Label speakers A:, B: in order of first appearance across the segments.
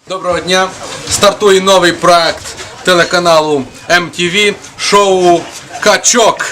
A: Доброго дня! Стартує новий проект телеканалу MTV, шоу «Качок».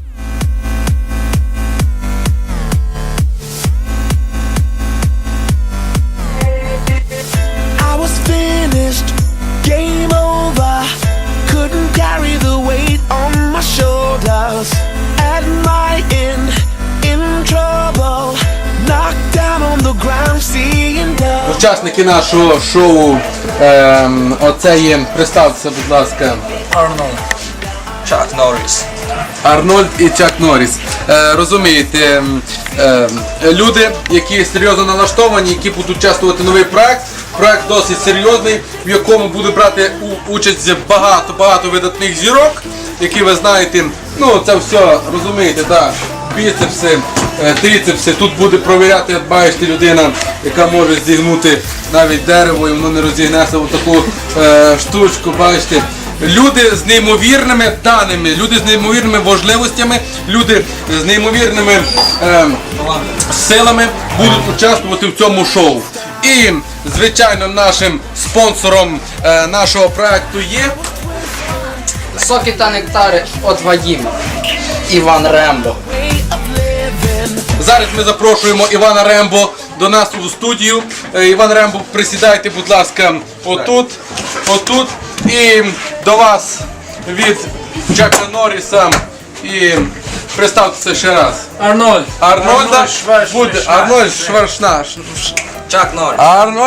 B: Game over, couldn't carry the weight on my shoulders. At my end, in trouble, knocked down on the ground, seeing double.
A: Учасники нашого шоу, оце є, представтеся, будь ласка.
C: Арнольд. Чак Норріс.
A: Арнольд і Чак Норріс. Розумієте, люди, які серйозно налаштовані, які будуть участвувати в новий проект. Проект досить серйозний, в якому буде брати участь багато видатних зірок, які ви знаєте, ну це все, розумієте, так, біцепси, трицепси. Тут буде провіряти, як бачите, людина, яка може зігнути навіть дерево, і воно не розігнеться в таку штучку, бачите. Люди з неймовірними даними, люди з неймовірними можливостями, люди з неймовірними силами будуть участвувати в цьому шоу. І, звичайно, нашим спонсором нашого проекту є
D: Соки та нектари від Вадима. Іван Рембо.
A: Зараз ми запрошуємо Івана Рембо до нас у студію. Іван Рембо, присідайте, будь ласка, отут. І до вас від Чака Норріса. І представтеся ще раз.
C: Арнольд.
A: Арнольд Шварценеггер.
C: Чак Норріс.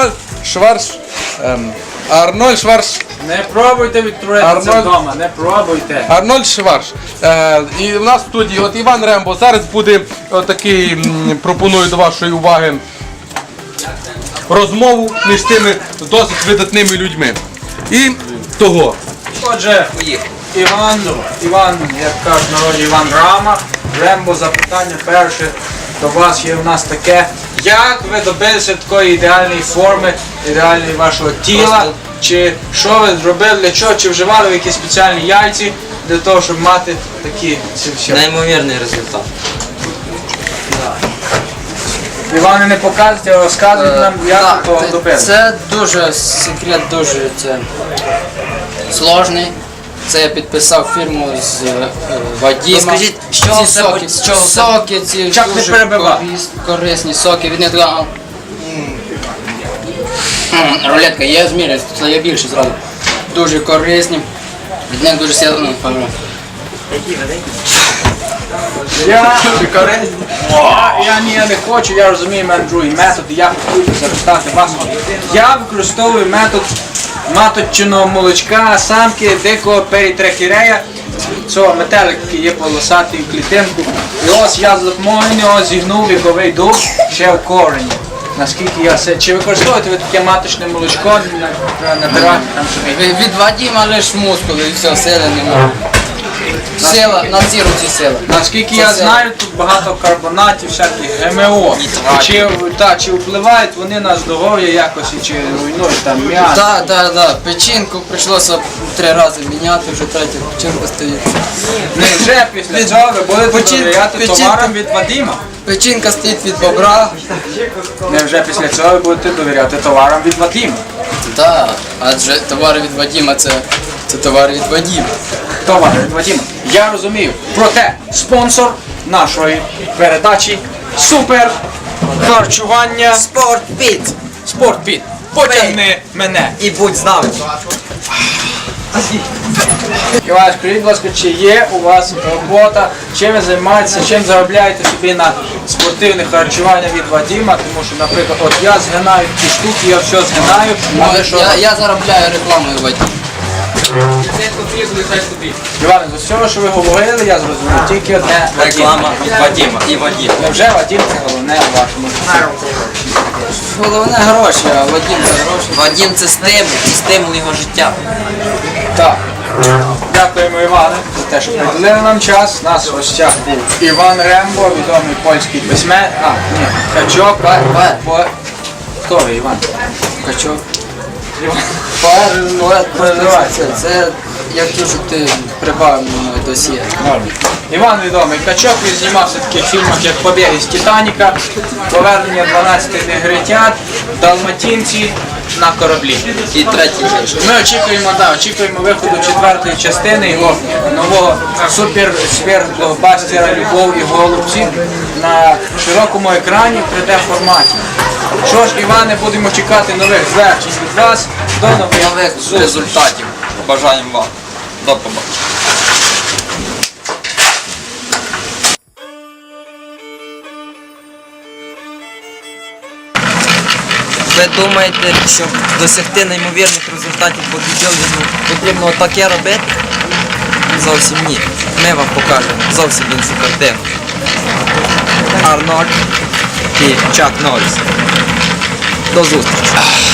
A: Арнольд Шварц.
C: Не пробуйте відтворити це вдома, не пробуйте.
A: Арнольд Шварц. І в нас в студії от Іван Рембо. Зараз буде такий, пропоную до вашої уваги, розмову між тими досить видатними людьми. І того.
C: Отже, Іван, як кажуть в народі, Іван Рама. Рембо, запитання перше до вас є у нас таке. Як ви добилися такої ідеальної форми, ідеальної вашого тіла? Чи що ви зробили, для чого? Чи вживали ви якісь спеціальні яйці для того, щоб мати такі всі?
E: Неймовірний результат.
C: Іване, не показуйте, а розказуйте нам, як ви того добилися.
D: Це дуже секрет, дуже сложний. Це я підписав фірму з Вадима.
E: Скажіть, з чого
D: ці
E: все
D: соки,
E: з чого все?
D: соки ці
C: Чак не
D: дуже
C: перебивай.
D: корисні соки. Від них така рулетка, я зміряю, це я більше зразу. Дуже корисні. Від них дуже сильно пам'ятаю.
C: Я не хочу, я розумію, в мене другий метод, і я хочу запитати вас. Я використовую метод маточного молочка, самки, дикого перітрахерея, цього метелик, який є полосатий в клітинку. І ось я за допомогою нього зігнув віковий дуб ще в корені. Наскільки я все. Чи використовуєте ви таке маточне молочко набирати там собі?
D: Від Вадима лише мускули і все, сили немає. Сила, на ці руці сила.
C: Наскільки я знаю, тут багато карбонатів, всяких ГМО. Чи впливають вони на здоров'я якось, чи руйнують там м'ясо?
D: Так. Печінку прийшлося 3 рази міняти, вже третя печінка стоїть.
C: Невже після цього ви будете довіряти товарам від Вадима?
D: Печінка стоїть від бобра.
C: Невже після цього ви будете довіряти товарам від Вадима?
D: Так, адже товари від Вадима це товари від Вадима.
C: Товари від Вадима. Я розумію. Проте спонсор нашої передачі супер харчування
E: Спортпіт.
C: Спортпіт. Потягни мене.
E: І будь з нами.
C: Іван, скажіть, будь ласка, чи є у вас робота, чим ви займаєтеся, чим заробляєте собі на спортивне харчування від Вадима, тому що, наприклад, от я згинаю ті штуки, я все згинаю, а ви що?
D: Я заробляю рекламою Вадима.
C: Іване, з усього, що ви говорили, я зрозумів, тільки одне
E: Реклама від Вадима і Вадим.
C: Невже Вадим це головне у вашому житті?
D: Головне гроші, а Вадим це гроші.
E: Вадим це стимул його життя.
C: Так. Дякуємо, Іване, за те, що приділили нам час. У нас в гостях був Іван Рембо, відомий польський письменник. Качок. Хто ви, Іван?
D: Качок.
C: Поет.
D: Це як то, що ти прибавив мною досьє.
C: Іван відомий Качок, він знімався в таких фільмах, як «Побіг із Титаніка», «Повернення 12 негритят», «Далматинці», на кораблі.
E: І третій вийшов.
C: Ми очікуємо виходу 4-ї частини його нового супер-блокбастера «Любов і голубці» на широкому екрані в 3D форматі. Що ж, Іване, будемо чекати нових звершень від вас. До нових зустрічей.
E: Результатів. Бажаємо вам. До побачення. Ви думаєте, щоб досягти неймовірних результатів по бодібілдингу потрібно таке робити? Зовсім ні. Ми вам покажемо зовсім іншу картину. Арнольд і Чак Норріс. До зустрічі.